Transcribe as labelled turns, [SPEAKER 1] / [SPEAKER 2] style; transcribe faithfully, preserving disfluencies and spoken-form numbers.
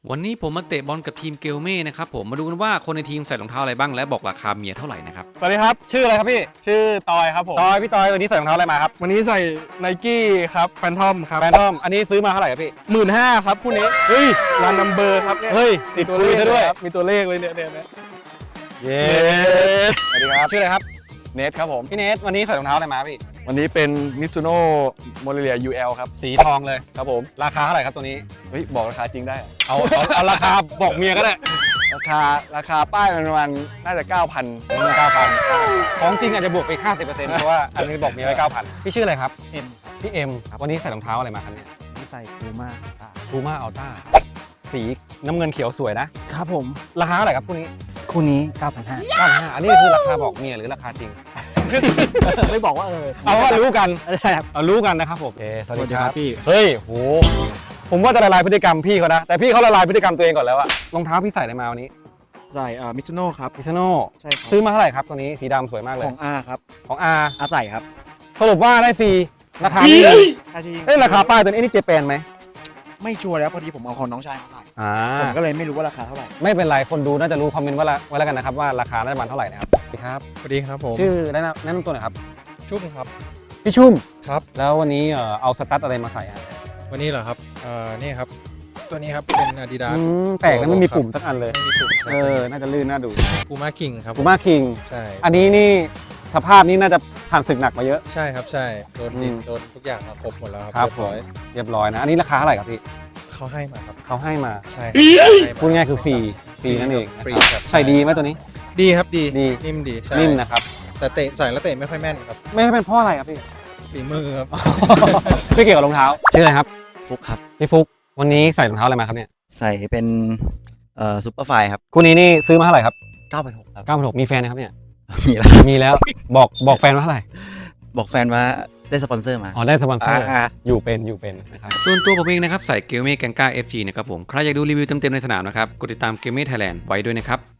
[SPEAKER 1] วันนี้ผมมาเตะบอลกับทีมเกลเม่นะครับผมมาดูกันว่าคนในทีมใส่รองเท้าอะไรบ้างและบอกราคาเมียเท่าไหร่นะครับ
[SPEAKER 2] สวัสดีครับชื่ออะไรครับพี่ชื่อตอยครับผมตอยพี่ตอยวันนี้ใส่รองเท้าอะไรมาครับวันนี้ใส่ไนกี้ครับแฟนทอมครับแฟนทอมอันนี้ซื้อมาเท่าไหร่ครับพี่หมื่นห้าครับคู่นี้เฮ้ยรันนัมเบอร์ครับเฮ้ยติดตัวเลขด้วยมีตัวเลขเลยเนี่ยเนี่ยเย้สวัสดีครับชื่ออะไรครับเนทครับผมพี่เนทวันนี้ใส่รองเท้าอะไรมาพี่วันนี้เป็นมิซูโน่โมเรเลีย ยู แอล ครับสีทองเลยครับผมราคาเท่าไหร่ครับตัวนี้เฮ้ยบอกราคาจริงได้เอาเอาเอาราคาบอกเมียก็ได้ราคาราคาป้ายมันประมาณน่าจะ เก้าพัน เก้าพัน ของจริงอาจจะบวกไป ห้าสิบเปอร์เซ็นต์ เพราะว่าอันนี้บอกเมียไว้ เก้าพัน พี่ชื่ออะไรครับเอ็มพี่เอ็มวันนี้ใส่รองเท้าอะไรมาครับเนี่ย
[SPEAKER 3] ใส่พูม่า
[SPEAKER 2] พูม่าอัลต้าสีน้ำเงินเขียวสวยนะครับ
[SPEAKER 3] ผม
[SPEAKER 2] ราคาเท่าไหร่ครับคู่นี้
[SPEAKER 3] คู่นี้ เก้าพันห้าร้อย
[SPEAKER 2] เก้าพันห้าร้อยอันนี้คือราคาบอกเมียหรือราคาจริง
[SPEAKER 3] ไม่บอกว่าเออ
[SPEAKER 2] เอาว่ารู้กัน
[SPEAKER 3] ครับ
[SPEAKER 2] เอารู้กันนะครับผมโอเคสวัสดีครับ
[SPEAKER 3] พี่
[SPEAKER 2] เฮ้ยโหผมว่าจะละลายพฤติกรรมพี่เขานะแต่พี่เขาละลายพฤติกรรมตัวเองก่อนแล้วอะรองเท้าพี่ใส่อะไรมาวันนี้
[SPEAKER 3] ใส่เอ่อมิซูโน่ครับ
[SPEAKER 2] มิซูโน่
[SPEAKER 3] ใช่ครับ
[SPEAKER 2] ซื้อมาเท่าไหร่ครับตัวนี้สีดำสวยมากเลย
[SPEAKER 3] ของอาครับ
[SPEAKER 2] ของอา
[SPEAKER 3] อาใส่ครับ
[SPEAKER 2] สรุปว่าได้ฟรีราคานี้เอ้ยราคาป้ายตัวนี้นี่เจแปนไหม
[SPEAKER 3] ไม่ชัวร์แล้วพอดีผมเอาของน้องชายมาใส่
[SPEAKER 2] อ่า
[SPEAKER 3] ผมก็เลยไม่รู้ว่าราคาเท่าไหร่
[SPEAKER 2] ไม่เป็นไรคนดูน่าจะรู้คอมเมนต์ว่าไว้แล้วกันนะครับว่าราคาน่าจะประมาณเท่าไหร่นะครับสวัสดีครับ
[SPEAKER 4] สวัสดีครับผม
[SPEAKER 2] ชื่อแนะนำแนะนำตัวหน่อยครับ
[SPEAKER 4] ชุ่มครับ
[SPEAKER 2] พี่ชุ่ม
[SPEAKER 4] ครับ
[SPEAKER 2] แล้ววันนี้เอ่อเอาสตั๊ดอะไรมาใส่อ่ะ
[SPEAKER 4] วันนี้เหรอครับเอ่อนี่ครับตัวนี้ครับเป็น Adidas
[SPEAKER 2] แปลกนะไม่มีปุ่มสักอันเลย
[SPEAKER 4] ไม่มีปุ่ม
[SPEAKER 2] เออน่าจะลื่นน่าดู
[SPEAKER 4] Puma King ครับ
[SPEAKER 2] Puma King
[SPEAKER 4] ใช่
[SPEAKER 2] อันนี้นี่สภาพนี้น่าจะผ่านศึกหนักมาเยอะ
[SPEAKER 4] ใช่ครับใช่โดนดิน
[SPEAKER 2] อืม
[SPEAKER 4] โดนทุกอย่างมาครบหมดแล้วค
[SPEAKER 2] ครั
[SPEAKER 4] รับบ เรียบร้อย
[SPEAKER 2] เรียบร้อยนะอันนี้ราคาเท่าไหร่ครับพี่
[SPEAKER 4] เขาให้มาครับ
[SPEAKER 2] เขาให้มา
[SPEAKER 4] ใช่ครับให้มา
[SPEAKER 2] พูดง่ายคือฟรีฟรีนั่นเอง
[SPEAKER 4] ฟรีครับ
[SPEAKER 2] ใส่ดีไหมตัวนี้
[SPEAKER 4] ดีครับดี
[SPEAKER 2] ดี
[SPEAKER 4] นิ่มดีใช่
[SPEAKER 2] นิ่มนะครับ
[SPEAKER 4] แต่เตะใส่แล้วเตะไม่ค่อยแม่นครับ
[SPEAKER 2] ไม่เป็นเพราะอะไรครับพี่
[SPEAKER 4] ฝีมือครับ
[SPEAKER 2] ไม่เกี่ยวกับรองเท้าชื่ออะไรครับ
[SPEAKER 3] ฟุกครับ
[SPEAKER 2] พี่ฟุกวันนี้ใส่รองเท้าอะไรมาครับเนี่ย
[SPEAKER 3] ใส่เป็นเอ่อซุปเปอร์ไฟครับ
[SPEAKER 2] คู่นี้นี่ซื้อมาเท่าไหร่ครับ
[SPEAKER 3] เก้าพันหกครับ
[SPEAKER 2] เก้าพันหกมีแฟนนะครับเนี่ย
[SPEAKER 3] มีแล้ว
[SPEAKER 2] มีแล้วบอกบอกแฟนว่าเท่าไหร่
[SPEAKER 3] บอกแฟนว่าได้สปอนเซอร์มา
[SPEAKER 2] อ๋อได้สปอนเซอร์
[SPEAKER 3] อ่า
[SPEAKER 2] อยู่เป็นอยู่เป็นนะครับ
[SPEAKER 1] ส่วนตัวผมเองนะครับใส่เกลเม่แกงก้า เอฟ จี นะครับผมใครอยากดูรีวิวเต็มๆในสนามนะครับกดติดตามเกลเม่ไทยแลนด์ไว้ด้วยนะครับ